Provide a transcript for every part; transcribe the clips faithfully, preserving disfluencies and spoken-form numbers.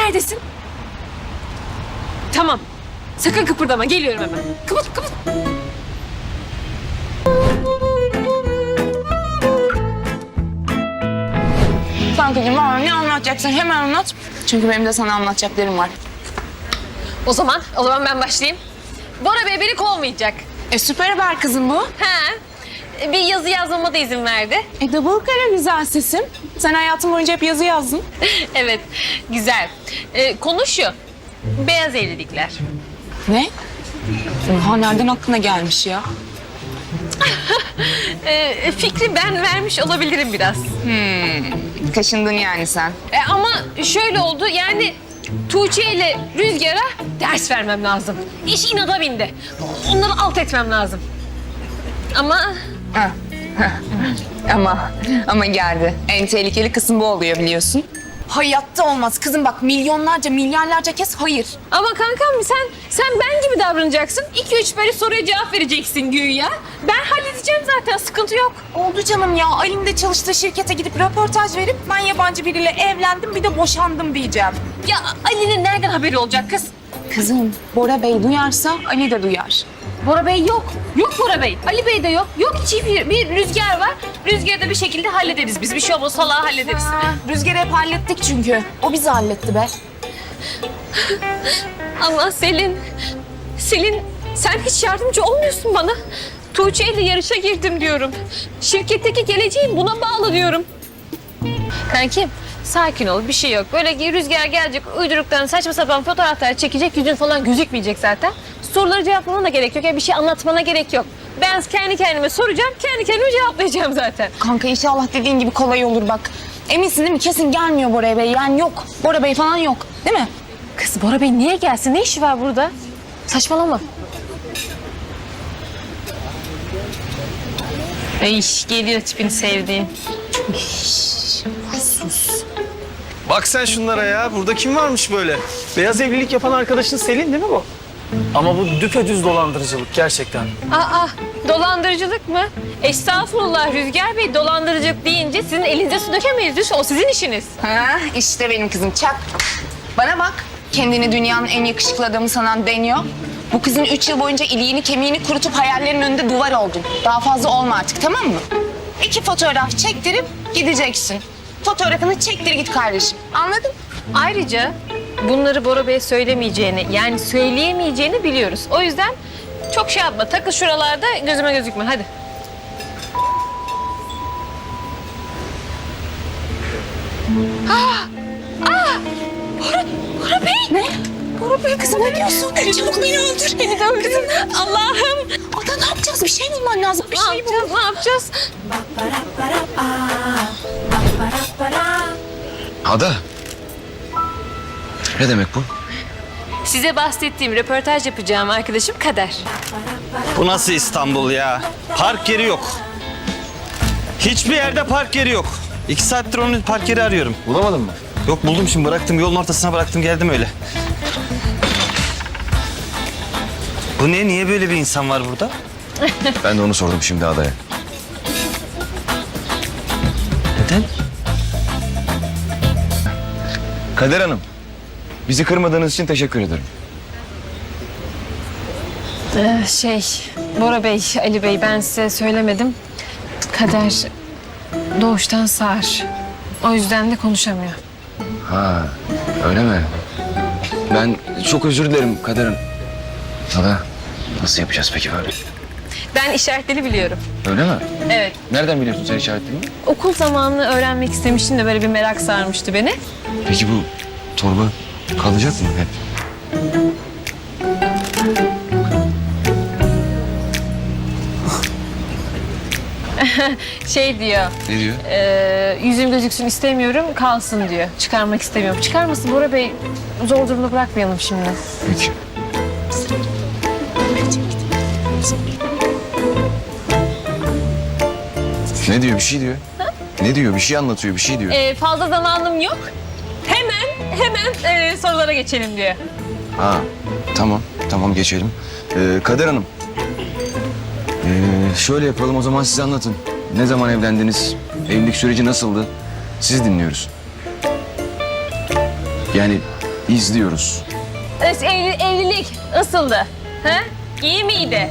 neredesin? Tamam. Sakın kıpırdama. Geliyorum hemen. Kıpır kıpır. Kankacığım var ne anlatacaksın hemen anlat. Çünkü benim de sana anlatacaklarım var. O zaman, o zaman ben başlayayım. Bora Bey beni kovmayacak. E süper haber kızım bu. He. Bir yazı yazmama da izin verdi. E double kare güzel sesin. Sen hayatın boyunca hep yazı yazdın. Evet, güzel. Ee, konu şu. Beyaz evlilikler. Ne? Oha nereden aklına gelmiş ya? Ee, fikri ben vermiş olabilirim biraz. Kaşındın yani sen. E, ama şöyle oldu yani Tuğçe ile Rüzgar'a ders vermem lazım. İş inada bindi. Onları alt etmem lazım. Ama Heh. ama ama geldi. En tehlikeli kısım bu oluyor biliyorsun. Hayatta olmaz kızım bak milyonlarca milyarlarca kez hayır. ama kankam sen sen ben gibi davranacaksın. İki üç böyle soruya cevap vereceksin güya. Ben halledeceğim zaten sıkıntı yok. Oldu canım ya. Ali'nin de çalıştığı şirkete gidip röportaj verip ben yabancı biriyle evlendim bir de boşandım diyeceğim. Ya Ali'nin nereden haberi olacak kız? Kızım Bora Bey duyarsa Ali de duyar. Bora Bey yok. Yok Bora Bey. Ali Bey de yok. Yok hiç bir, bir Rüzgar var. Rüzgar'ı da bir şekilde hallederiz biz. Bir şey olmaz salağı hallederiz. Ha, Rüzgar'ı hep hallettik çünkü. O bizi halletti be. Ama Selin, Selin sen hiç yardımcı olmuyorsun bana. Tuğçe ile yarışa girdim diyorum. Şirketteki geleceğim buna bağlı diyorum. Kankim sakin ol bir şey yok. Böyle Rüzgar gelecek uyduruklarını saçma sapan fotoğraflar çekecek. Yüzün falan gözükmeyecek zaten. Soruları cevaplamana da gerek yok. Yani bir şey anlatmana gerek yok. Ben kendi kendime soracağım, kendi kendime cevaplayacağım zaten. Kanka inşallah dediğin gibi kolay olur bak. Eminsin değil mi? Kesin gelmiyor Bora Bey. Yani yok. Bora Bey falan yok. Değil mi? Kız Bora Bey niye gelsin? Ne işi var burada? Saçmalama. Ay geliyor tipini sevdiğim. Bak sen şunlara ya. Burada kim varmış böyle? Beyaz evlilik yapan arkadaşın Selin değil mi bu? Ama bu düpedüz dolandırıcılık gerçekten. Aa, dolandırıcılık mı? Estağfurullah Rüzgar Bey, dolandırıcılık deyince sizin elinize su dökemeyiz. Lütfen o sizin işiniz. Ha, işte benim kızım çak. Bana bak. Kendini dünyanın en yakışıklı adamı sanan deniyor. Bu kızın üç yıl boyunca iliğini kemiğini kurutup hayallerinin önünde duvar oldun. Daha fazla olma artık tamam mı? İki fotoğraf çektirip gideceksin. Fotoğrafını çektir git kardeşim. Anladın? Ayrıca bunları Bora Bey'e söylemeyeceğini, yani söyleyemeyeceğini biliyoruz. O yüzden çok şey yapma, takıl şuralarda gözüme gözükme. Hadi. Bora Bey! Ne? Bora Bey kızım ne diyorsun? Çabuk beni öldür. Beni de öldürün. Allah'ım! Ada ne yapacağız? Bir şey bulman lazım. Bir Ne şey yapacağız, ne yapacağız? Ada. Ne demek bu? Size bahsettiğim röportaj yapacağım arkadaşım Kader. Bu nasıl İstanbul ya? Park yeri yok. Hiçbir yerde park yeri yok. İki saattir onun park yeri arıyorum. Bulamadın mı? Yok buldum şimdi bıraktım. Yolun ortasına bıraktım geldim öyle. Bu ne? Niye böyle bir insan var burada? Ben de onu sordum şimdi Ada'ya. Neden? Kader Hanım, bizi kırmadığınız için teşekkür ederim. Ee, şey, Bora Bey, Ali Bey ben size söylemedim. Kader doğuştan sağır. O yüzden de konuşamıyor. Ha, öyle mi? Ben çok özür dilerim Kader Hanım. Ada, nasıl yapacağız peki böyle? Ben işaretleri biliyorum. Öyle mi? Evet. Nereden biliyorsun sen işaretlerini? Okul zamanını öğrenmek istemiştim de böyle bir merak sarmıştı beni. Peki bu torba kalacak mı hep? Şey diyor, Ne diyor? e, yüzüm gözüksün istemiyorum, kalsın diyor. Çıkarmak istemiyorum. Çıkarmasın Bora Bey, zor durumda bırakmayalım şimdi. Peki. Ne diyor? Bir şey diyor. Ne diyor? Bir şey anlatıyor, bir şey diyor. E, fazla zamanım yok. Hemen, hemen e, sorulara geçelim diyor. Ha, tamam, tamam geçelim. Ee, Kader Hanım, ee, şöyle yapalım o zaman siz anlatın. Ne zaman evlendiniz? Evlilik süreci nasıldı? Siz dinliyoruz. Yani İzliyoruz. Es- evli- evlilik nasıldı? Ha? İyi miydi?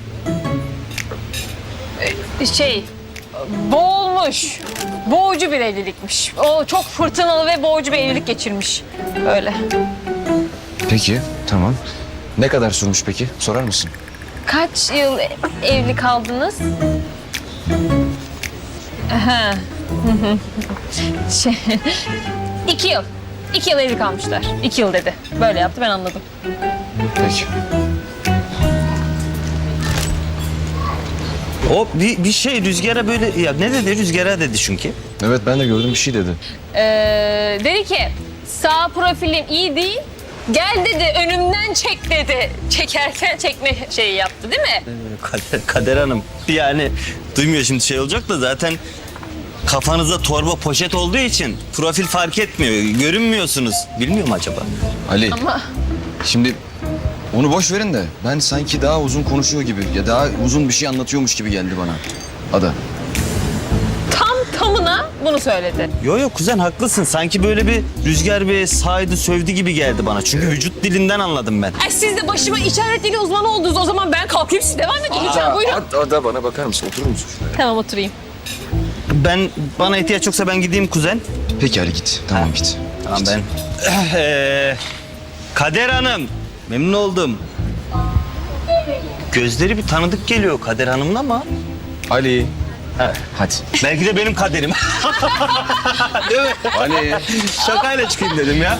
Ee, Şey, boğulmuş. Boğucu bir evlilikmiş. O çok fırtınalı ve boğucu bir evlilik geçirmiş. Öyle. Peki, tamam. Ne kadar sürmüş peki? Sorar mısın? Kaç yıl evli kaldınız? Aha. şey, iki yıl. İki yıl evli kalmışlar. İki yıl dedi. Böyle yaptı, ben anladım. Peki. O bir, bir şey Rüzgar'a böyle ya ne dedi Rüzgar'a dedi çünkü. Evet, ben de gördüm, bir şey dedi. Ee, dedi ki sağ profilim iyi değil. Gel dedi, önümden çek dedi. Çekerken çekme şeyi yaptı değil mi? Kader, Kader Hanım yani duymuyor şimdi şey olacak da zaten kafanızda torba poşet olduğu için profil fark etmiyor. Görünmüyorsunuz. Bilmiyor mu acaba? Ali, Ama şimdi onu boş verin de ben sanki daha uzun konuşuyor gibi ya daha uzun bir şey anlatıyormuş gibi geldi bana. Ada. tam tamına bunu söyledi. Yo yo kuzen haklısın. Sanki böyle bir Rüzgar bir saydı sövdü gibi geldi bana. Çünkü vücut dilinden anladım ben. Ay siz de başıma işaret dili uzmanı oldunuz. O zaman ben kalkayım, siz devam edin lütfen. Buyurun. Ada, Ada bana bakar mısın? Oturur musun şuraya? Tamam, oturayım. Ben bana ihtiyaç yoksa ben gideyim kuzen. Peki Ali git. Tamam git. Tamam Git. ben. Ee, Kader Hanım. Memnun oldum. Gözleri bir tanıdık geliyor Kader Hanım'ın ama. Ali. Hadi. Belki de benim kaderim. Değil mi? Ali. Şakayla çıkayım dedim ya.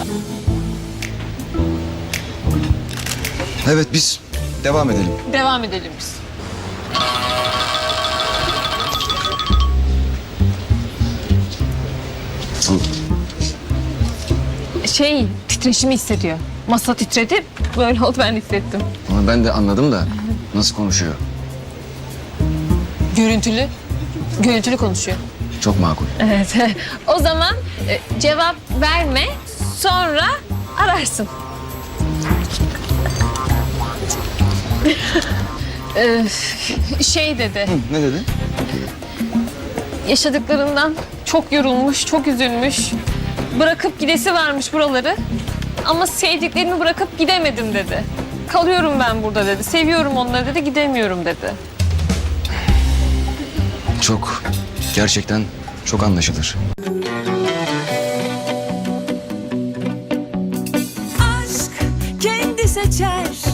Evet biz devam edelim. Devam edelim biz. Şey, titreşimi hissediyor. Masa titredi, böyle oldu, ben hissettim. Ama ben de anladım da nasıl konuşuyor? Görüntülü, görüntülü konuşuyor. Çok makul. Evet. O zaman e, cevap verme, sonra ararsın. Ee, şey dedi, Ne dedi? yaşadıklarından çok yorulmuş, çok üzülmüş. Bırakıp gidesi varmış buraları. Ama sevdiklerimi bırakıp gidemedim dedi. Kalıyorum ben burada dedi. Seviyorum onları dedi, gidemiyorum dedi. Çok, gerçekten çok anlaşılır. aşk kendi seçer